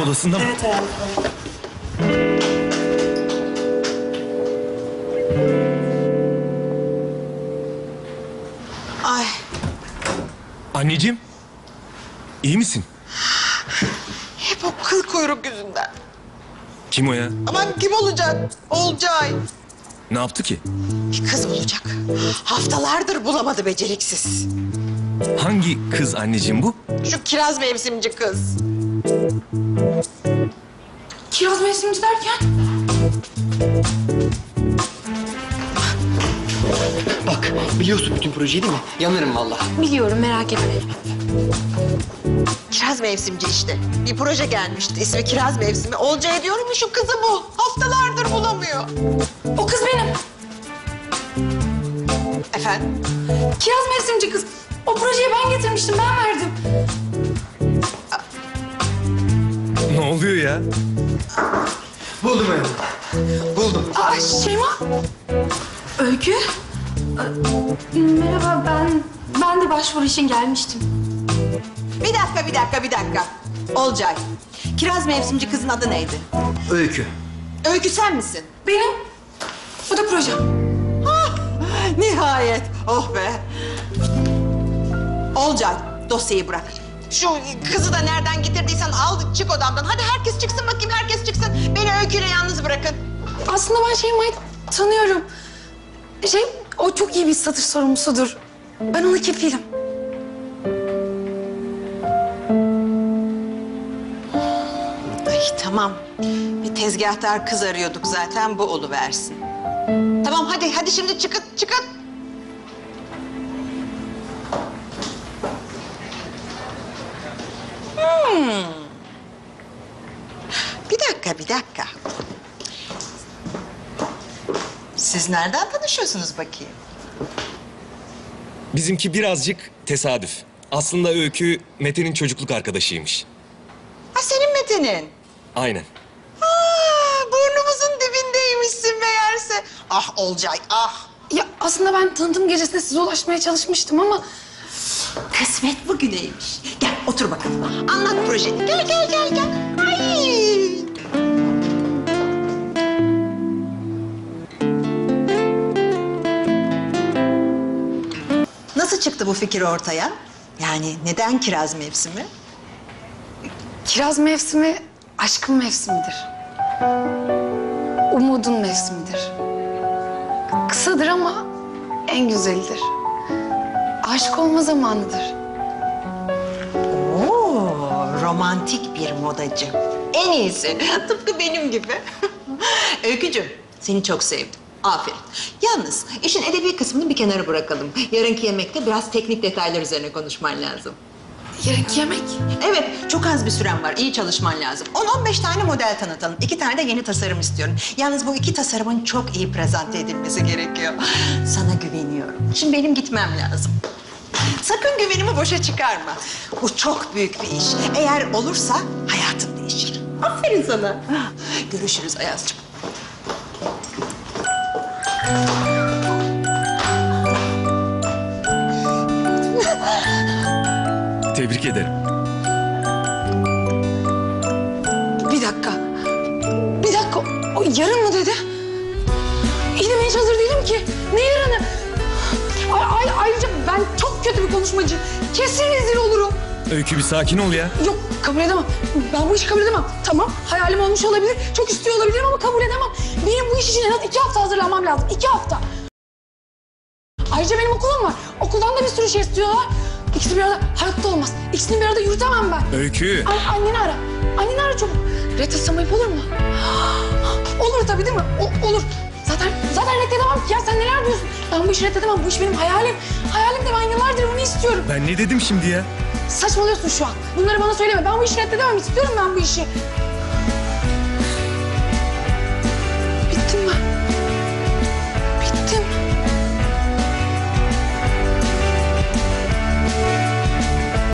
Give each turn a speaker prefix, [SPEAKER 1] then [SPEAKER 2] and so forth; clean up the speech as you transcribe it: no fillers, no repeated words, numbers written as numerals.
[SPEAKER 1] odasında mı?
[SPEAKER 2] Evet hayatım.
[SPEAKER 3] Ay.
[SPEAKER 1] Anneciğim, iyi misin?
[SPEAKER 3] Hep o kıl kuyruk yüzünden.
[SPEAKER 1] Kim o ya?
[SPEAKER 3] Aman kim olacak? Olcay.
[SPEAKER 1] Ne yaptı ki?
[SPEAKER 3] Bir kız bulacak. Haftalardır bulamadı beceriksiz.
[SPEAKER 1] Hangi kız anneciğim bu?
[SPEAKER 3] Şu kiraz mevsimci kız.
[SPEAKER 2] Kiraz mevsimci derken?
[SPEAKER 4] Bak, biliyorsun bütün projeyi değil mi? Yanarım vallahi.
[SPEAKER 2] Biliyorum, merak etme.
[SPEAKER 3] Kiraz mevsimci işte. Bir proje gelmişti. İsmi Kiraz Mevsimi. Olcay diyorum ya şu kızı bul. Haftalardır bulamıyor.
[SPEAKER 2] O kız benim.
[SPEAKER 3] Efendim?
[SPEAKER 2] Kiraz mevsimci kız. O projeyi ben getirmiştim, ben verdim.
[SPEAKER 1] Ne oluyor ya?
[SPEAKER 4] Buldum hayatım. Buldum.
[SPEAKER 2] Aa, Şeyma. Öykü. Merhaba, ben de başvuru için gelmiştim.
[SPEAKER 3] Bir dakika. Olcay. Kiraz mevsimci kızın adı neydi?
[SPEAKER 4] Öykü.
[SPEAKER 3] Öykü sen misin?
[SPEAKER 2] Benim. Bu da projem.
[SPEAKER 3] Nihayet. Oh be. Olcay, dosyayı bırak. Şu kızı da nereden getirdiysen al, çık odamdan. Hadi herkes çıksın bakayım, herkes çıksın. Beni Öykü'yle yalnız bırakın.
[SPEAKER 2] Aslında ben Şeyma'yı tanıyorum. O çok iyi bir satış sorumlusudur. Ben ona kefilim.
[SPEAKER 3] Ay tamam. Bir tezgahtar kız arıyorduk zaten, bu oluversin. Tamam hadi şimdi çıkın. Bir dakika. Siz nereden tanışıyorsunuz bakayım?
[SPEAKER 1] Bizimki birazcık tesadüf. Aslında Öykü, Mete'nin çocukluk arkadaşıymış.
[SPEAKER 3] Ha senin Mete'nin.
[SPEAKER 1] Aynen.
[SPEAKER 3] Burnumuzun dibindeymişsin meğerse. Ah Olcay, ah.
[SPEAKER 2] Ya aslında ben tanıtım gecesinde size ulaşmaya çalışmıştım ama...
[SPEAKER 3] Kısmet bugüneymiş. Gel otur bakalım. Anlat projeni. Gel. Ay. Nasıl çıktı bu fikir ortaya? Yani neden kiraz mevsimi?
[SPEAKER 2] Kiraz mevsimi aşkın mevsimidir. Umudun mevsimidir. Kısadır ama en güzelidir. Aşık olma zamanıdır.
[SPEAKER 3] Oo, romantik bir modacı. En iyisi. Tıpkı benim gibi. Öykücüğüm, seni çok sevdim. Aferin. Yalnız işin edebi kısmını bir kenara bırakalım. Yarınki yemekte biraz teknik detaylar üzerine konuşman lazım.
[SPEAKER 2] Yarınki yemek.
[SPEAKER 3] Evet, çok az bir süren var. İyi çalışman lazım. 10-15 tane model tanıtalım. 2 tane de yeni tasarım istiyorum. Yalnız bu 2 tasarımın çok iyi prezente edilmesi gerekiyor. Sana güveniyorum. Şimdi benim gitmem lazım. Sakın güvenimi boşa çıkarma. Bu çok büyük bir iş. Eğer olursa hayatın değişir. Aferin sana. Görüşürüz Ayaz'cığım.
[SPEAKER 1] Tebrik ederim.
[SPEAKER 2] Bir dakika. O yarın mı dedi? İyi de ben hiç hazır değilim ki. Ne yarını? Ayrıca ben çok kötü bir konuşmacı. Kesin rezil olurum.
[SPEAKER 1] Öykü bir sakin ol ya.
[SPEAKER 2] Yok, kabul edemem. Ben bu işi kabul edemem. Tamam, hayalim olmuş olabilir. Çok istiyor olabilirim ama kabul edemem. Benim bu iş için en az 2 hafta hazırlanmam lazım. 2 hafta. Ayrıca benim okulum var. Okuldan da bir sürü şey istiyorlar. İkisi bir arada hayatta olmaz. İkisini bir arada yürütemem ben.
[SPEAKER 1] Öykü.
[SPEAKER 2] Anneni ara. Anneni ara çabuk. Reddetsem ayıp olur mu? Olur tabii değil mi? Olur. Zaten reddedemem ki ya. Sen neler diyorsun? Ben bu işi reddedemem. Bu iş benim hayalim. Hayalim de ben yıllardır bunu istiyorum.
[SPEAKER 1] Ben ne dedim şimdi ya?
[SPEAKER 2] Saçmalıyorsun şu an. Bunları bana söyleme. Ben bu işi reddedemem. İstiyorum ben bu işi.